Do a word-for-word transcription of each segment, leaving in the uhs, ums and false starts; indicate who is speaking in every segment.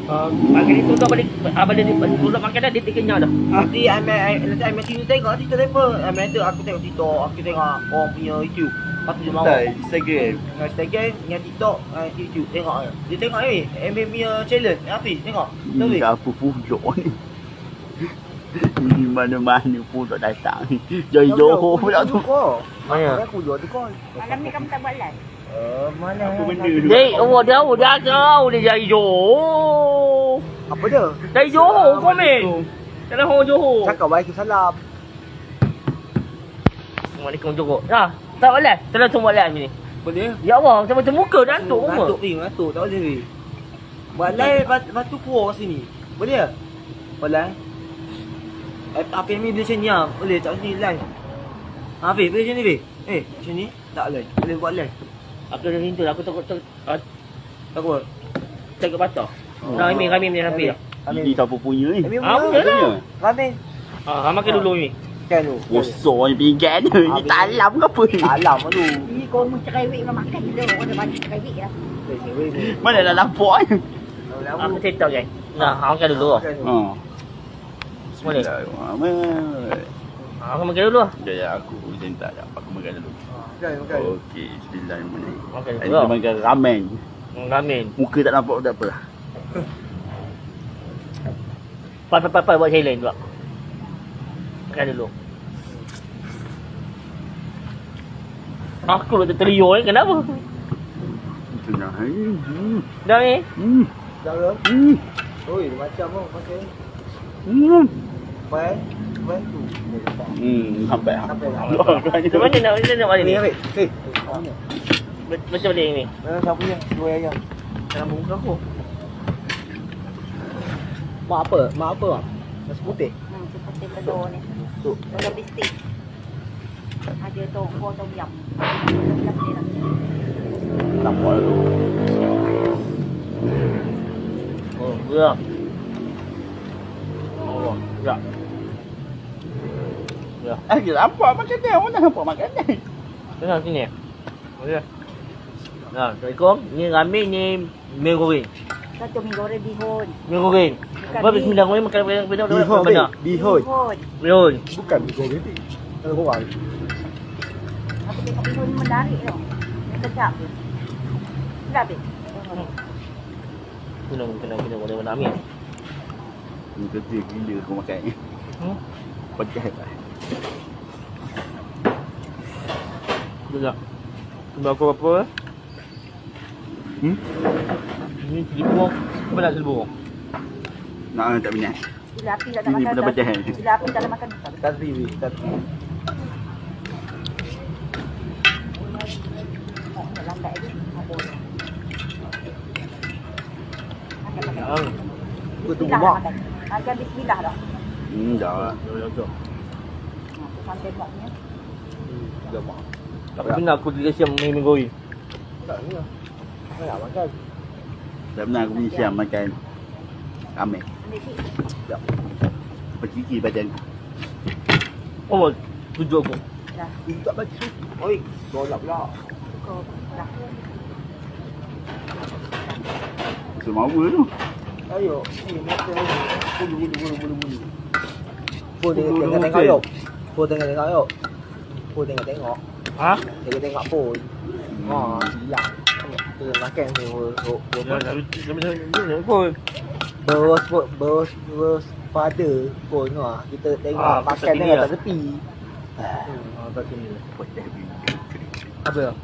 Speaker 1: Uh, pagi ni tunggu balik abang dia tunggu makan dah dia kenyang dah.
Speaker 2: Nanti ambil nanti ambil sini tengok cerita apa. Ambil tu aku tengok TikTok, aku tengok orang punya YouTube. Lepas tu dia mau.
Speaker 3: Instagram.
Speaker 2: Instagram dengan TikTok, YouTube tengok. Dia tengok ni, ambil punya challenge. Hafiz tengok. Tahu
Speaker 3: Ini
Speaker 2: ni?
Speaker 3: apa pulak ni. Ini mana-mana pun tak datang. Jai Johor pula tu.
Speaker 1: Mana?
Speaker 2: Aku jual tu kau.
Speaker 4: Malam ni kamu tak buat live?
Speaker 2: Eh, mana?
Speaker 3: Apa benda tu?
Speaker 1: Dek, oh dia oh dia tahu dia jadi Johor.
Speaker 2: Apa dia?
Speaker 1: Dari Johor komen. Dalam orang Johor.
Speaker 2: Cakap waalaikumsalam.
Speaker 1: Assalamualaikum Johor. Dah, tak buat live. Tak langsung buat live ni.
Speaker 2: Boleh?
Speaker 1: Ya Allah, macam macam muka ngantuk semua.
Speaker 2: Ngantuk ni, ngantuk. Tak boleh ni. Buat live, lepas, lepas tu keluar kat sini. Boleh tak? Boleh? Eh, Hafiz ni dia macam ni lah. Boleh tak sini live? Hafiz, boleh macam ni, Hafiz? Eh, macam ni? Tak live. Boleh buat live.
Speaker 1: Aku dah rindu aku takut takut
Speaker 2: Takut?
Speaker 1: takut patah. Nah, Imi, kami ni Hafiz.
Speaker 3: Ini siapa punya ni?
Speaker 2: Amin
Speaker 1: Ah,
Speaker 2: punya.
Speaker 1: punya lah.
Speaker 2: Amin.
Speaker 1: Ah, makan dulu Imi.
Speaker 2: Kan tu.
Speaker 3: Rosak ni pinggan ni. Ni talam ke apa ni?
Speaker 2: Alam tu.
Speaker 4: Ni kau mau cerewet memang makan je. Orang ada banyak cerewet lah.
Speaker 3: Mana dah lapuk ni?
Speaker 1: Aku cerita kan. Nah, makan dulu.
Speaker 3: Ha.
Speaker 1: Semua ni.
Speaker 3: Bismillahirrahmanirrahim.
Speaker 1: Ah, aku makan dulu.
Speaker 3: Ya, ya, aku macam tak ada. Aku makan dulu.
Speaker 2: Makan, makan.
Speaker 3: Okey, bismillahirrahmanirrahim.
Speaker 1: Makan
Speaker 3: Ini
Speaker 1: dulu.
Speaker 3: makan ramen.
Speaker 1: Ramen.
Speaker 3: Muka tak nampak tak apa lah.
Speaker 1: Pai pai pai buat challenge pula. Makan dulu. Aku dah terteriuk ni kenapa?
Speaker 3: Tenang. Hmm.
Speaker 1: Dah ni.
Speaker 3: Hmm.
Speaker 2: Dah ke?
Speaker 3: Hmm.
Speaker 2: Oi, dia macam apa pakai?
Speaker 3: Hmm.
Speaker 2: Pai, pai tu.
Speaker 3: Hmm, sampai ah.
Speaker 2: Sampai dah.
Speaker 1: Macam mana nak macam mana nak balik
Speaker 2: Ni
Speaker 1: ni?
Speaker 2: Hafiz. Eh,
Speaker 1: Macam mana ni?
Speaker 2: mana siapa punya? Dua ayam.
Speaker 1: Dalam muka aku.
Speaker 2: Mak apa? Mak apa? Nasi putih.
Speaker 4: Hmm, seperti telur ni.
Speaker 2: Tu.
Speaker 4: Telur bistik. Ada tongkol tom yum. Tom yum ni lah.
Speaker 3: Nampak tu.
Speaker 1: Oh, gerak. Oh, gerak. Gerak.
Speaker 3: Eh, kita nampak makanan. Mana nampak makanan?
Speaker 1: Tengah sini. Boleh. Nah, Assalamualaikum. Ni ramen ni mi goreng.
Speaker 4: Satu mie goreng bihun.
Speaker 1: Mi goreng.
Speaker 4: Bukan
Speaker 1: Apa
Speaker 4: mi.
Speaker 1: bismillah goreng makan benda benda
Speaker 2: Bihun,
Speaker 1: benar.
Speaker 2: Bihun.
Speaker 4: Bihun.
Speaker 1: Bihun.
Speaker 2: Bukan bihun ni. Kalau korang.
Speaker 4: Aku tengok bihun ni menarik tau. Sedap. Sedap eh?
Speaker 1: Kena kena kena boleh warna amin.
Speaker 3: Ni kecil gila kau makan ni.
Speaker 1: Hmm.
Speaker 3: Pedas lah.
Speaker 1: Betul. Kembali aku apa?
Speaker 3: Hmm?
Speaker 1: Ni seribu. Apa nak seribu?
Speaker 3: Nak tak minat.
Speaker 4: Bila api tak nak
Speaker 3: Ini
Speaker 4: makan.
Speaker 3: pun dah pedas.
Speaker 4: Bila api tak nak makan.
Speaker 2: Tadri, weh. Tadri.
Speaker 4: Oh, nak lambat lagi. Apa ni? Makan, makan.
Speaker 1: Ah.
Speaker 2: Aku tunggu
Speaker 4: Bismillah
Speaker 2: mak.
Speaker 4: makan. Makan bismillah dah.
Speaker 3: Hmm, dah lah.
Speaker 1: Ya tu.
Speaker 4: Aku sampai maknya.
Speaker 2: Dah mak.
Speaker 1: Tapi benar aku tiga siam mi mi goreng.
Speaker 2: Tak ni lah. Aku nak makan.
Speaker 3: Tak pernah aku punya siam makan ramen.
Speaker 4: Ambil sikit.
Speaker 2: Sekejap.
Speaker 3: Perciki badan aku.
Speaker 1: Oh, tujuh aku.
Speaker 4: Dah.
Speaker 2: Ini tak baju. Oi, tolak pula.
Speaker 4: Kau dah.
Speaker 3: Semua apa tu?
Speaker 2: Ayo, ni mata ni. Bulu bulu bulu bulu bulu. Pun
Speaker 1: Bulu
Speaker 2: tengok tengok
Speaker 1: okey.
Speaker 2: yuk. Pun tengok tengok yuk. Pun tengok tengok.
Speaker 1: Ha?
Speaker 2: Tengok tengok pun. Ha, hilang. Tengok makan tu.
Speaker 1: Ya, tapi tapi ni pun.
Speaker 2: Bos bos bos bos father pun ah. Kita tengok
Speaker 1: Ah,
Speaker 2: makan
Speaker 1: kat sini
Speaker 2: tengok
Speaker 1: lah.
Speaker 2: kat tepi.
Speaker 1: Ah, tak sini.
Speaker 2: Apa ya?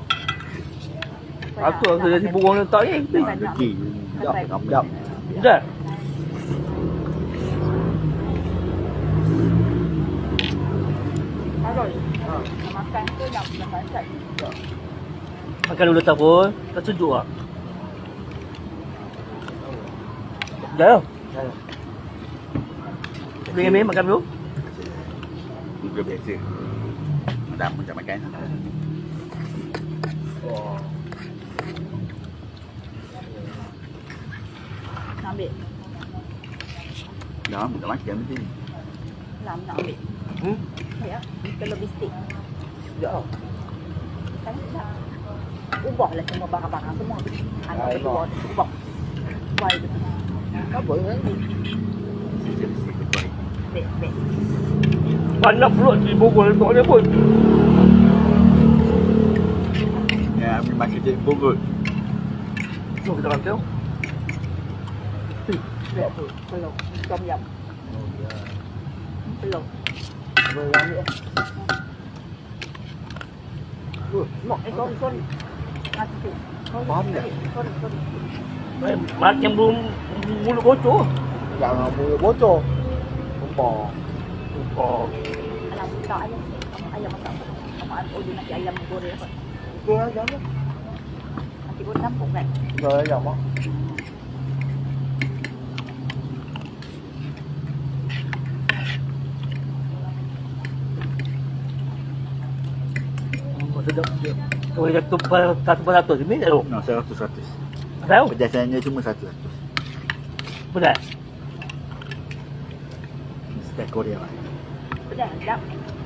Speaker 1: Aku aku jadi burung letak ni.
Speaker 3: Perciki.
Speaker 2: Jap, jap.
Speaker 1: Dah.
Speaker 4: Harus. Ha. Makan tu nak makan sat.
Speaker 1: Makan dulu tak pun. Tak sejuk ah. Dah. Boleh ambil makan dulu.
Speaker 3: Muka biasa. Dah macam makan.
Speaker 2: Oh.
Speaker 4: Nak ambil.
Speaker 3: Dah tak makan mesti.
Speaker 4: Lam nak ambil.
Speaker 1: Hmm?
Speaker 4: Ya. Telur bistik.
Speaker 2: Jap.
Speaker 4: Kan tak. Ubahlah semua barang-barang semua. Anak
Speaker 2: Ah,
Speaker 4: kedua ubah. Ubah itu.
Speaker 2: Apa yang ni?
Speaker 4: Bek, bek.
Speaker 1: Banyak pula di Bogor letak dia pun.
Speaker 3: Ya, ambil makan cik Bogor.
Speaker 1: Jom kita makan.
Speaker 4: Bek tu. Belum. Tom yum. Belum.
Speaker 2: Berang ni.
Speaker 4: Uh, mak eh sorry sorry. Mati tu.
Speaker 2: Faham tak?
Speaker 4: Sorry sorry.
Speaker 1: Eh, Macam belum mulut bocor.
Speaker 2: Jangan mulut bocor. Sumpah.
Speaker 1: Oh.
Speaker 4: Alam tak ayam. Ayam masak. Sama oh dia nak ayam goreng apa.
Speaker 2: Itu aja lah.
Speaker 4: Nanti goreng campur kan.
Speaker 2: Itu aja mak.
Speaker 1: Sedap dia. Boleh jatuh satu per satu ni tak tahu.
Speaker 3: No, seratus seratus.
Speaker 1: Tahu?
Speaker 3: Pedasannya cuma satu seratus.
Speaker 1: Benar.
Speaker 3: Setiap Korea lah.
Speaker 4: Pedas sedap.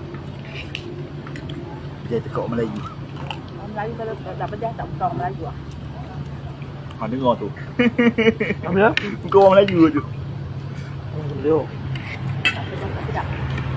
Speaker 3: Dia tekuk Melayu.
Speaker 4: Orang Melayu kalau tak pedas tak bukan orang Melayu ah.
Speaker 3: Ha, dengar tu.
Speaker 1: Apa dia?
Speaker 3: Bukan orang Melayu tu.
Speaker 1: Dia.
Speaker 4: Tak pedas tak sedap.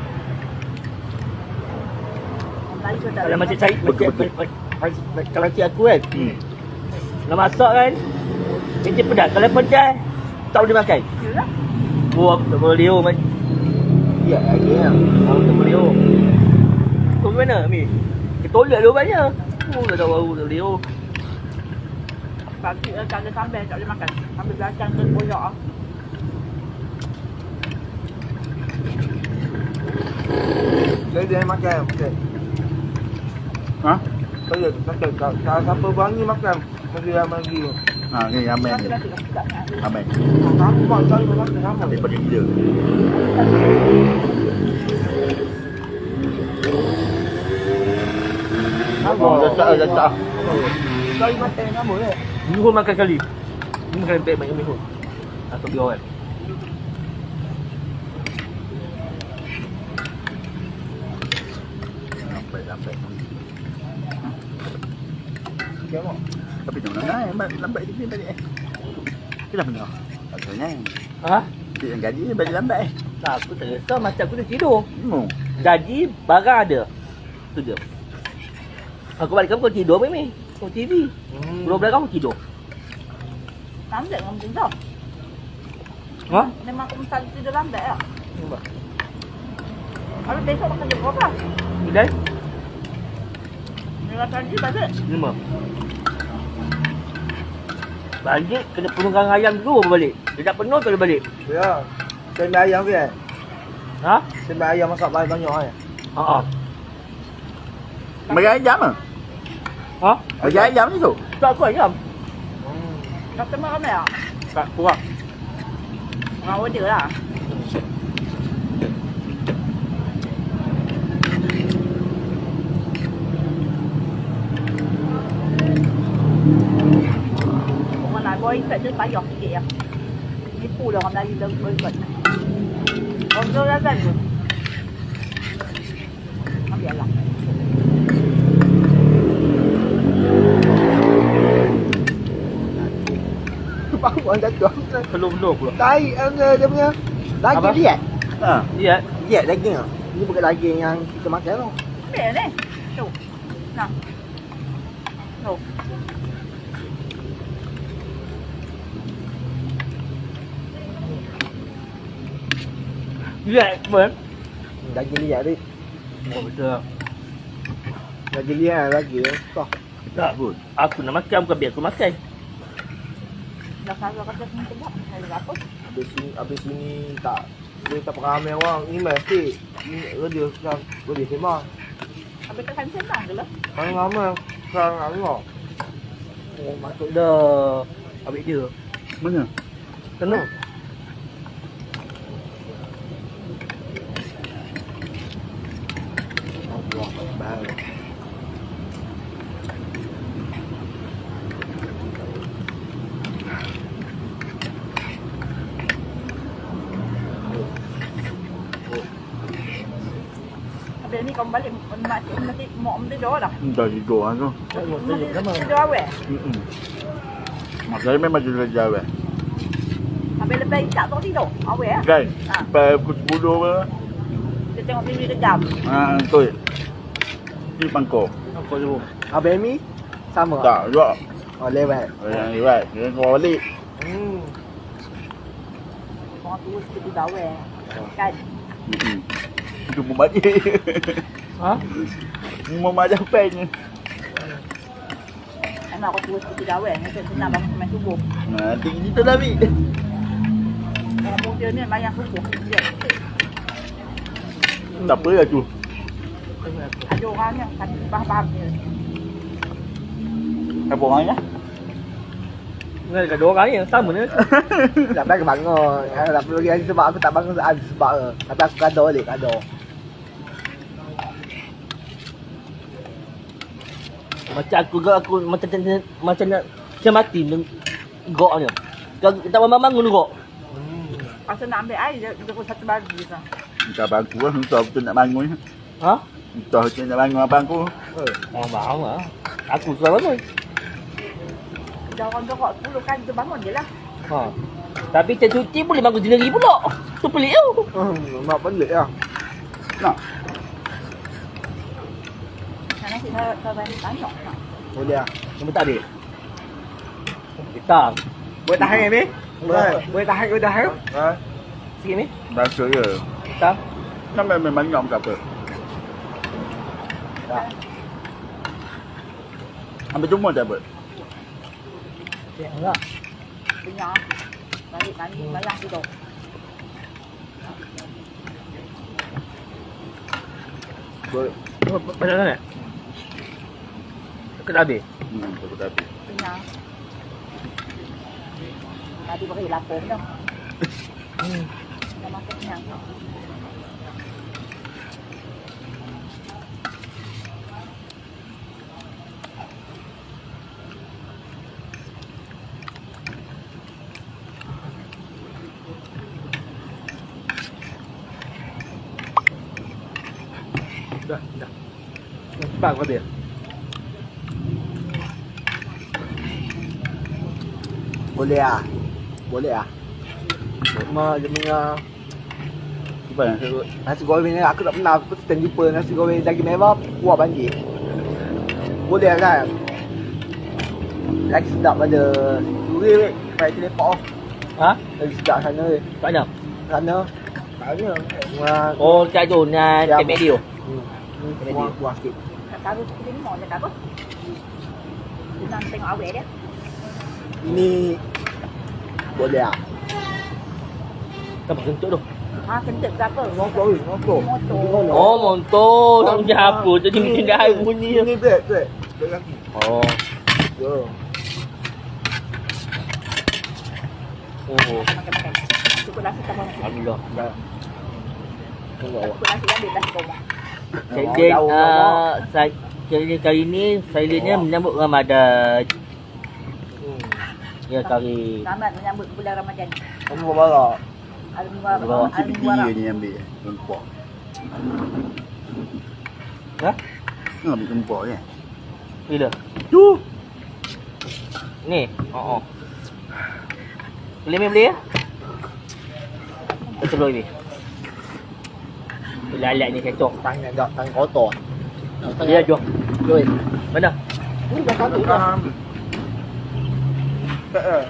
Speaker 4: Orang Melayu kalau tak
Speaker 1: Kalau macam cari
Speaker 3: Betul,
Speaker 1: macam
Speaker 3: betul.
Speaker 1: kalau cik aku kan.
Speaker 3: Hmm.
Speaker 1: Nak masak kan. Dia pedas. Kalau pedas tak boleh makan.
Speaker 4: Yalah.
Speaker 1: Buah tak boleh leo macam.
Speaker 2: Ya, lagi ya.
Speaker 1: Oh, tak boleh leo. Tu mana Mi? Ke toilet dulu banyak. Oh, dah tahu baru tak boleh leo.
Speaker 4: Pagi uh, kalau sambal tak boleh makan. Sambal belacan ke koyak ah.
Speaker 2: Jadi dia makan. Okey.
Speaker 3: Ha?
Speaker 2: Saya kata kalau siapa bangi makan mesti yang lagi.
Speaker 3: Ha, ni ramen
Speaker 4: Nanti
Speaker 3: ni.
Speaker 4: nanti tak sedap sangat.
Speaker 3: Ramen.
Speaker 2: Kamu bang cari makan sama.
Speaker 3: Daripada gila. Oh, dah tak, dah tak.
Speaker 2: Cari makan sama eh.
Speaker 1: Mihun makan kali. Ni makan lempek banyak mihun. Atau biar kan.
Speaker 3: Lambat, lambat.
Speaker 2: Okey mak.
Speaker 3: Tapi tak nak naik, lambat, lambat dia balik eh. Kenapa benar? Tak tanya.
Speaker 1: Ha?
Speaker 3: Dia yang gaji dia balik lambat eh.
Speaker 1: Tak, aku tak risau macam aku dah tidur.
Speaker 3: Hmm.
Speaker 1: Gaji barang ada. Tu dia. Aku balik kamu kau tidur Mimi. Kau T V.
Speaker 2: Hmm.
Speaker 1: Belum belakang aku tidur.
Speaker 4: Lambat dengan macam tu.
Speaker 1: Ha?
Speaker 4: Memang aku mesti tidur lambat lah. Kalau besok makan jam berapa?
Speaker 1: Bila?
Speaker 4: Dengan tadi balik.
Speaker 1: Lima. Balik kena penuhkan ayam dulu baru balik. Dia tak penuh tak boleh balik.
Speaker 2: Ya. Sembah ayam ke?
Speaker 1: Ha?
Speaker 2: Sembah ayam masak banyak eh.
Speaker 1: Ha ah.
Speaker 3: Bagi ayam ah.
Speaker 1: Ha?
Speaker 3: Bagi ayam ni tu.
Speaker 1: Tak aku ayam.
Speaker 2: Hmm.
Speaker 4: Customer ramai tak?
Speaker 1: Tak kurang.
Speaker 4: Orang order lah. Orang nak boycott tu payah sikit ya. Nipu dah orang Melayu dah boycott. Orang tu dah kan tu. Ambil lah.
Speaker 2: Baru anda tu.
Speaker 1: Belum-belum pula.
Speaker 2: Tai dia, dia punya daging
Speaker 1: Apa?
Speaker 2: dia.
Speaker 3: Ha.
Speaker 1: Ya.
Speaker 2: Dia daging ah. Ini bukan daging yang kita makan tu.
Speaker 4: Ambil ni. Tu. Nah. Tu.
Speaker 1: Ya, pun.
Speaker 2: Daging dia ni.
Speaker 1: Oh, betul.
Speaker 2: Daging dia lagi. Kau.
Speaker 1: Tak pun. Aku nak makan bukan biar aku makan.
Speaker 4: Dah kalau kata semua sedap. Saya apa?
Speaker 2: Habis sini, habis sini tak dia tak ramai orang. Ini mesti ini dia sekarang dia sembang.
Speaker 4: Habis kan senang ke lah.
Speaker 2: Orang ramai sekarang Allah.
Speaker 1: Oh, masuk dah. Ambil dia.
Speaker 3: Mana?
Speaker 1: Kena.
Speaker 2: Allah Akbar.
Speaker 4: Habis ni kau balik makcik mesti mak mesti doa dah.
Speaker 3: Dah tidur lah tu.
Speaker 4: Mesti doa awal.
Speaker 3: Hmm. Mak saya memang tidur jauh eh.
Speaker 4: Habis Bila-bila isap tu tidur. Awal lah.
Speaker 3: Kan?
Speaker 4: Ha.
Speaker 3: Sampai pukul sepuluh ke.
Speaker 4: Dia tengok T V kejam.
Speaker 3: Ha, betul. Ni pangkor.
Speaker 1: Apa tu?
Speaker 2: Abang Mi sama.
Speaker 3: Tak, juga.
Speaker 2: Oh lewat.
Speaker 3: Yang lewat. Dia keluar balik.
Speaker 2: Hmm.
Speaker 4: Orang tua seperti bawel. Kan?
Speaker 3: Hmm. Itu pun balik.
Speaker 1: Ha?
Speaker 3: Mama Japan.
Speaker 4: Emang aku tua seperti bawel. Macam senang bangun semain subuh.
Speaker 3: Nanti kita dah ambil.
Speaker 4: Orang muda ni mayang subuh. Dia.
Speaker 3: Tak apa lah tu.
Speaker 4: Ada orang yang kan faham-faham dia.
Speaker 3: Apa orangnya?
Speaker 1: Dengan dekat dua orang ni sama ni.
Speaker 2: Tak payah bangun. Tak perlu lagi sebab aku tak bangun ada sebab ke. Tapi aku kado balik, kado.
Speaker 1: Macam aku gak aku macam macam macam nak macam mati dengan gok ni. Kalau tak bangun-bangun gok.
Speaker 4: Pasal nak ambil air, dia, dia pun satu baju je.
Speaker 3: Entah abang aku lah. Entah betul nak bangun.
Speaker 1: Ha?
Speaker 3: Entah betul nak bangun abang aku.
Speaker 1: Oh, bangun lah. Aku suka bangun.
Speaker 4: Dah orang dorok sepuluh kali tu bangun je lah.
Speaker 1: Ha. Tapi macam cuti boleh bangun sendiri pula. Tu pelik tau.
Speaker 2: Hmm, mak pelik lah.
Speaker 3: Nak?
Speaker 4: Nanti saya saya tanya. Nak.
Speaker 2: Boleh lah.
Speaker 1: Cuma tak ada. Kita.
Speaker 2: Boleh tahan kan, Mi? Boleh. Boleh tahan ke tahan?
Speaker 3: Ha?
Speaker 1: Sikit ni.
Speaker 3: Rasa je.
Speaker 1: Kita.
Speaker 3: Sampai memang banyak ke apa? Ambil cuma tak apa?
Speaker 1: Enggak.
Speaker 4: Punya. Balik mandi mayang tidur.
Speaker 2: Boleh.
Speaker 1: Macam mana? Dekat habis.
Speaker 3: Hmm, tak apa habis.
Speaker 4: Punya. Tadi beri lapor dah.
Speaker 1: Hmm.
Speaker 4: Dah makan kenyang.
Speaker 1: Dah, dah. Cepat kau dia.
Speaker 2: Boleh lah. Boleh lah. Mak dia punya
Speaker 3: Apa yang saya buat?
Speaker 2: nasi goreng ni aku tak pernah aku stand jumpa nasi goreng daging merah kuah banjir. Boleh kan? Lagi sedap pada duri weh. Pakai teleport.
Speaker 1: Ha?
Speaker 2: Lagi sedap sana weh.
Speaker 1: Kat mana?
Speaker 2: Sana. Sana. Kuah.
Speaker 1: Oh, kat tu nak
Speaker 2: Ya,
Speaker 1: tembak dia.
Speaker 2: Hmm. Ni kuah kuah sikit.
Speaker 4: Nak taruh sikit ni mau dia tak apa. Senang tengok awet dia.
Speaker 2: Ini boleh ah.
Speaker 1: Apa kentut tu?
Speaker 4: Ha, kentut ke apa?
Speaker 2: Motor ni, motor.
Speaker 4: Motor.
Speaker 1: Oh, montor. Tak macam apa. Jadi macam dah bunyi.
Speaker 2: Ni break, break. Break kaki.
Speaker 1: Oh.
Speaker 2: Ya.
Speaker 1: Oh.
Speaker 4: Makan-makan. Cukup nasi tak makan.
Speaker 1: Alhamdulillah.
Speaker 2: Dah. Tengok awak.
Speaker 4: Cukup nasi ambil dah koma.
Speaker 1: Jadi uh, saya kali kali ni saya lihatnya menyambut Ramadan.
Speaker 2: Hmm.
Speaker 1: Ya kali.
Speaker 4: Selamat menyambut bulan Ramadan.
Speaker 2: Kamu bawa bawa.
Speaker 4: Al-Mubarak.
Speaker 1: Bawa
Speaker 3: Si P T
Speaker 4: Al-Mubarak.
Speaker 3: ni ambil. Kempok.
Speaker 1: Ha?
Speaker 3: Ni ambil kempok je.
Speaker 1: Bila?
Speaker 3: Tu.
Speaker 1: Ni. Oh oh. Boleh main boleh ya? Kita sebelum ni. Lalat ni kecoh.
Speaker 2: Tangan dah, tangan kotor.
Speaker 1: Dia jom.
Speaker 2: Join.
Speaker 1: Mana?
Speaker 2: Ni dah satu dah. Tak eh.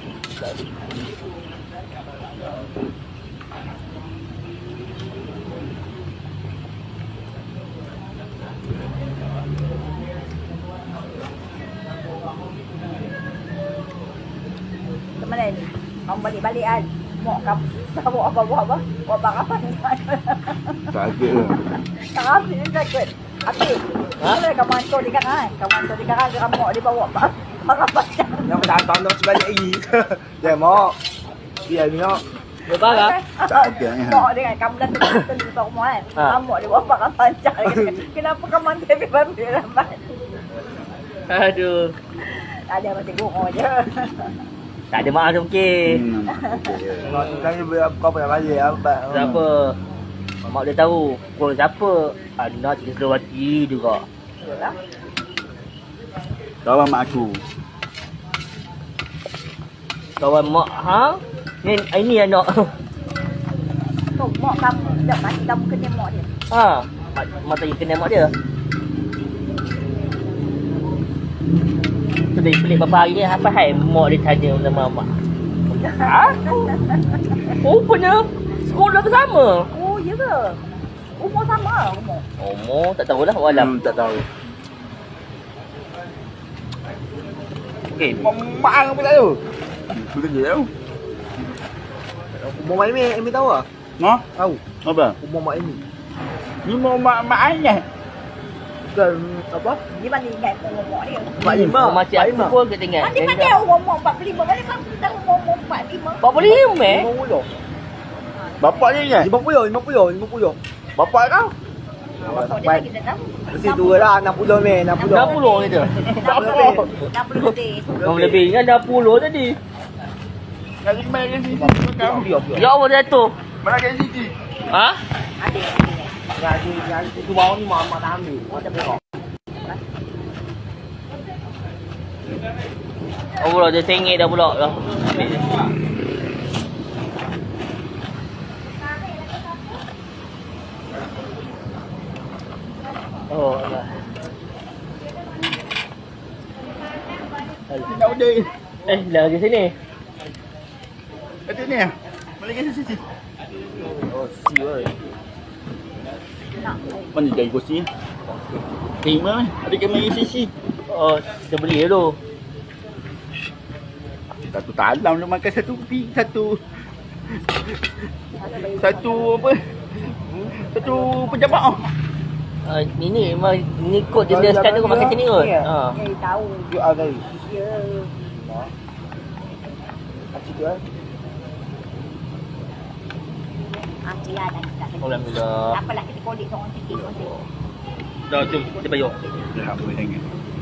Speaker 4: Ke mana ni? Kamu balik-balik kan? Mau kamu kamu apa buat apa? Buat bakapan.
Speaker 3: Sakit ke?
Speaker 4: Tak habis ni sakit. Habis.
Speaker 1: Ha?
Speaker 4: Boleh kamu hantar di kanan. Kamu hantar di kanan ke kamu mau dia bawa apa? Bakapan.
Speaker 2: Yang dah tanda sebalik lagi. Dia mau. Dia ni nak.
Speaker 1: Dia parah.
Speaker 3: Sakit ni.
Speaker 4: Mau dia kan kamu dah tentu di rumah kan.
Speaker 1: Ha.
Speaker 4: Kamu dia bawa bakapan. Kenapa kamu hantar di bambil lambat?
Speaker 1: Aduh.
Speaker 4: Ada macam gurau je.
Speaker 1: Tak ada maaf mungkin.
Speaker 3: Hmm, sakit je.
Speaker 2: Tengok tanya berapa kau pernah balik apa.
Speaker 1: Siapa? Mak dia tahu. Kau siapa? Anak cerita Selawati juga.
Speaker 4: Yalah.
Speaker 3: Kawan mak aku.
Speaker 1: Kawan mak hang. Ni ini anak.
Speaker 4: Tu mak kamu dak mati kamu kena mak dia.
Speaker 1: Ha, mata dia kena mak dia. Tu dia pelik bapa hari ni apa hai mak dia tanya nama mak. Ha? Oh, punya sekolah bersama.
Speaker 4: Oh, ya ke? Umur sama umur.
Speaker 1: Umur tak tahulah walam.
Speaker 3: Hmm, tak tahu.
Speaker 2: Eh, mak pula tu.
Speaker 3: Tu kerja tau.
Speaker 2: Umur mak Amy, Amy tahu ah?
Speaker 3: Noh,
Speaker 2: Tahu.
Speaker 3: apa?
Speaker 2: Umur mak Amy.
Speaker 3: Ni mau mak mak ayah.
Speaker 2: Bukan apa?
Speaker 4: Dia mana ingat umur mak dia.
Speaker 2: Mak Lima.
Speaker 1: Macam aku pun kita ingat.
Speaker 4: Mana mana umur mak empat puluh lima. Mana kamu tahu umur empat puluh lima?
Speaker 1: Empat puluh lima eh?
Speaker 2: Lima puluh.
Speaker 3: Bapak dia ingat?
Speaker 2: Lima puluh, lima puluh, lima puluh.
Speaker 3: Bapak kau?
Speaker 4: Bapak dia lagi tak tahu.
Speaker 2: Mesti tua lah, enam puluh ni, enam puluh.
Speaker 1: Enam puluh gitu.
Speaker 4: enam puluh. enam puluh lebih.
Speaker 1: Enam lebih ingat dah puluh tadi.
Speaker 3: Lagi mana ke sini? Kau.
Speaker 2: Biar, biar.
Speaker 1: Ya Allah jatuh.
Speaker 3: Mana ke sini?
Speaker 1: Ha?
Speaker 4: Ada.
Speaker 2: Gaji, gaji tu bawah ni mak mak tak ambil. Mak tak berak.
Speaker 1: Oh pula dia sengit dah pula lah. Oh Allah.
Speaker 3: Tidak ada.
Speaker 1: Eh, dah lagi sini.
Speaker 3: Ada ni. Mana ke sini?
Speaker 2: Oh, siul.
Speaker 3: Mana jadi kursi? Terima. Ada ke main sisi?
Speaker 1: Oh, kita beli dulu.
Speaker 3: Satu talam dia makan satu pi, satu satu apa? Satu pejabat ah.
Speaker 1: Uh, ini memang ni kod dia sekarang tu makan sini kot. Ha.
Speaker 4: Eh, tahu.
Speaker 2: Yuk ah gari.
Speaker 4: Ya.
Speaker 2: Kacik tu eh.
Speaker 4: Ah, ya dah tak ada.
Speaker 1: Alhamdulillah.
Speaker 4: Tak apalah kita kolek orang sikit konti.
Speaker 1: Dah jom kita bayar.
Speaker 3: Dah boleh sangat.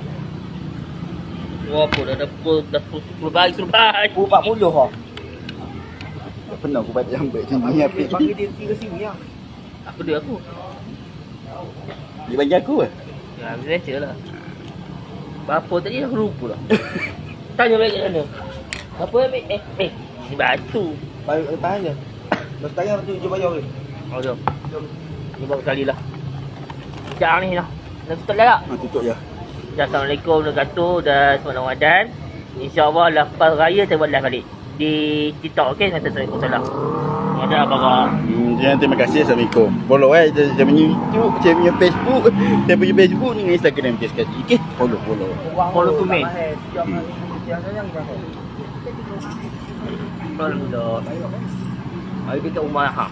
Speaker 1: Berapa dah dah pukul dah sepuluh pagi suruh baik.
Speaker 2: Pukul empat puluh ah.
Speaker 3: Tak pernah aku baca sampai sini apa.
Speaker 2: Panggil dia pergi ke sini ah.
Speaker 1: Apa dia aku?
Speaker 3: Dia bagi aku ke?
Speaker 1: Ya, biasa lah. Berapa tadi aku lupa lah. Tanya balik kat sana. Berapa ambil? Eh, eh. Ni batu.
Speaker 2: Baik lepas aja. Lepas tanya tu je bayar ke.
Speaker 1: Oh, jom. Ni baru sekali lah. Sekejap ni lah. Dah tutup dah tak?
Speaker 3: Ha, tutup je.
Speaker 1: Dah Assalamualaikum warahmatullahi wabarakatuh. Dah selamat Ramadan. InsyaAllah lepas raya saya buat live balik. Di TikTok, okey? Waalaikumsalam. Ada apa kau?
Speaker 3: Hmm, jangan terima kasih. Assalamualaikum. Follow eh. Saya saya punya YouTube, saya punya Facebook. Saya punya Facebook dengan Instagram dia sekali. Okey? Follow, follow.
Speaker 1: Follow to me. Alhamdulillah. Hari kita umar ha.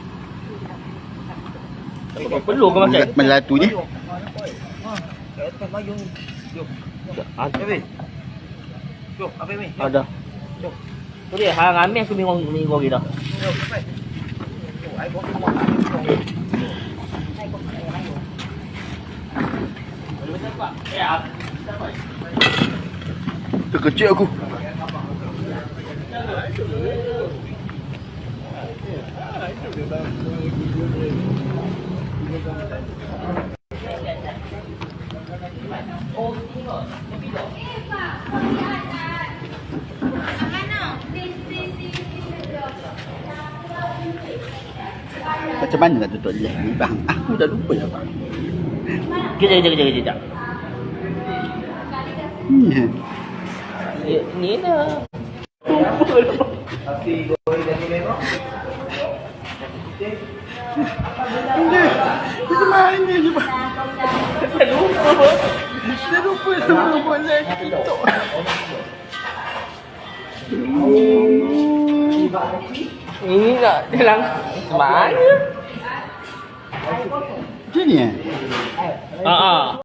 Speaker 1: Tak apa perlu ke makan?
Speaker 3: Melatu je.
Speaker 2: Kat atas mayung ni. Jom.
Speaker 1: Ada.
Speaker 2: Apa? Jom, apa ni?
Speaker 1: Ada.
Speaker 2: Jom.
Speaker 1: Tu dia hang ambil aku minggu minggu lagi dah.
Speaker 2: Jom, apa? Oh, ai kopi muat.
Speaker 3: Terkejut aku. Macam mana nak tutup live ni bang? Aku dah lupa dah bang.
Speaker 1: Kejap kejap kejap kejap.
Speaker 3: Hmm.
Speaker 1: Ni ni lah.
Speaker 2: Nasi goreng dan memang.
Speaker 3: Macam mana je bang?
Speaker 1: Saya lupa.
Speaker 3: Saya lupa sebelum buat live TikTok.
Speaker 1: Ini nak dalam mana?
Speaker 3: Macam ni eh?
Speaker 1: Ha ah.